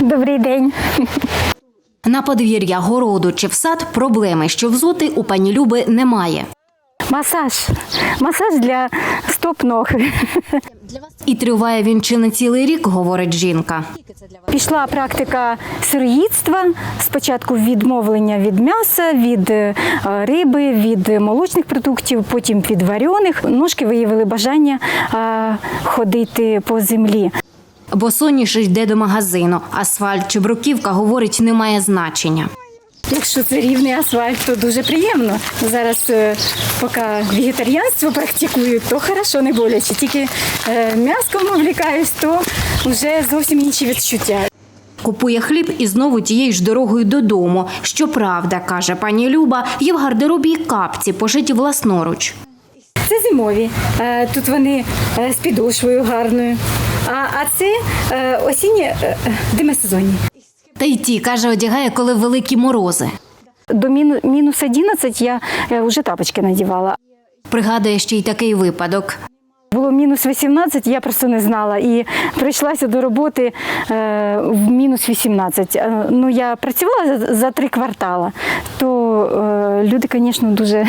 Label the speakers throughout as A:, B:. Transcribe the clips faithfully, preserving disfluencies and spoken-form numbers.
A: Добрий день.
B: На подвір'я, городу чи в сад проблеми, що взути, у пані Люби немає.
A: Масаж. Масаж для стоп-ног.
B: І триває він чи не цілий рік, говорить жінка.
A: Пішла практика сироїдства. Спочатку відмовлення від м'яса, від е, риби, від молочних продуктів, потім від варених. Ножки виявили бажання е, ходити по землі.
B: Босоніж йде до магазину. Асфальт чи бруківка, говорить, не має значення.
A: Якщо це рівний асфальт, то дуже приємно. Зараз, е, поки вегетаріанство практикую, то хорошо, не боляче. Тільки е, м'яском увлікаюсь, то вже зовсім інші відчуття.
B: Купує хліб і знову тією ж дорогою додому. Щоправда, каже пані Люба, є в гардеробі й капці, пошиті власноруч.
A: Це зимові. Е, Тут вони е, з підошвою гарною. А, а це е, осінні е, демисезонні.
B: Та й ті, каже, одягає, коли великі морози.
A: До міну, мінус одинадцять я е, вже тапочки надівала.
B: Пригадує ще й такий випадок.
A: Було мінус вісімнадцять, я просто не знала. І прийшлася до роботи е, в мінус вісімнадцять. Е, ну, я працювала за, за три квартала, то е, люди, звісно, дуже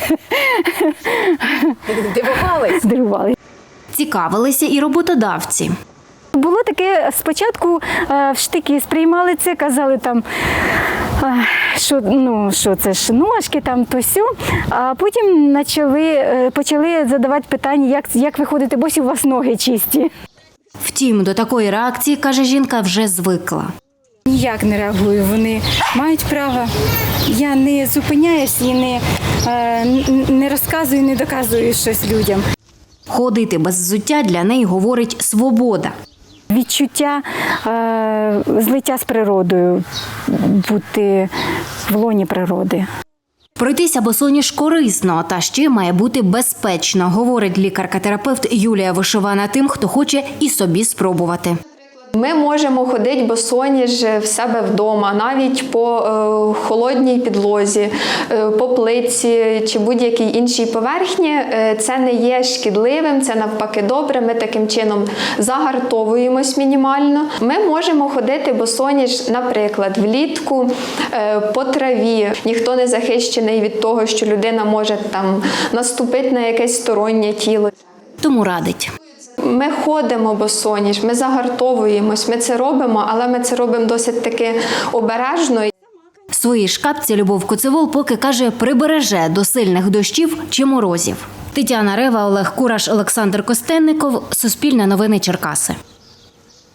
B: Дивувались?
A: дивували.
B: Цікавилися і роботодавці.
A: Було таке, спочатку е, в штики сприймали це, казали там, е, що, ну, що це ж ножки, там, то сьо, а потім почали, е, почали задавати питання, як, як ви ходите, босі у вас ноги чисті.
B: Втім, до такої реакції, каже жінка, вже звикла.
A: Ніяк не реагую, вони мають право. Я не зупиняюсь і не, е, не розказую, не доказую щось людям.
B: Ходити без взуття для неї, говорить, свобода.
A: Відчуття е, злиття з природою, бути в лоні природи.
B: Пройтися босоніж корисно, та ще має бути безпечно, говорить лікарка-терапевт Юлія Вишивана тим, хто хоче і собі спробувати.
C: Ми можемо ходити босоніж в себе вдома, навіть по е, холодній підлозі, е, по плитці чи будь-якій іншій поверхні. Е, це не є шкідливим, це навпаки добре. Ми таким чином загартовуємось мінімально. Ми можемо ходити босоніж, наприклад, влітку е, по траві. Ніхто не захищений від того, що людина може там наступити на якесь стороннє тіло.
B: Тому радить.
C: Ми ходимо босоніж, ми загартовуємось, ми це робимо, але ми це робимо досить таки обережно.
B: В своїй шкапці Любов Коцевол поки, каже, прибереже до сильних дощів чи морозів. Тетяна Рева, Олег Кураш, Олександр Костенников. Суспільне новини Черкаси.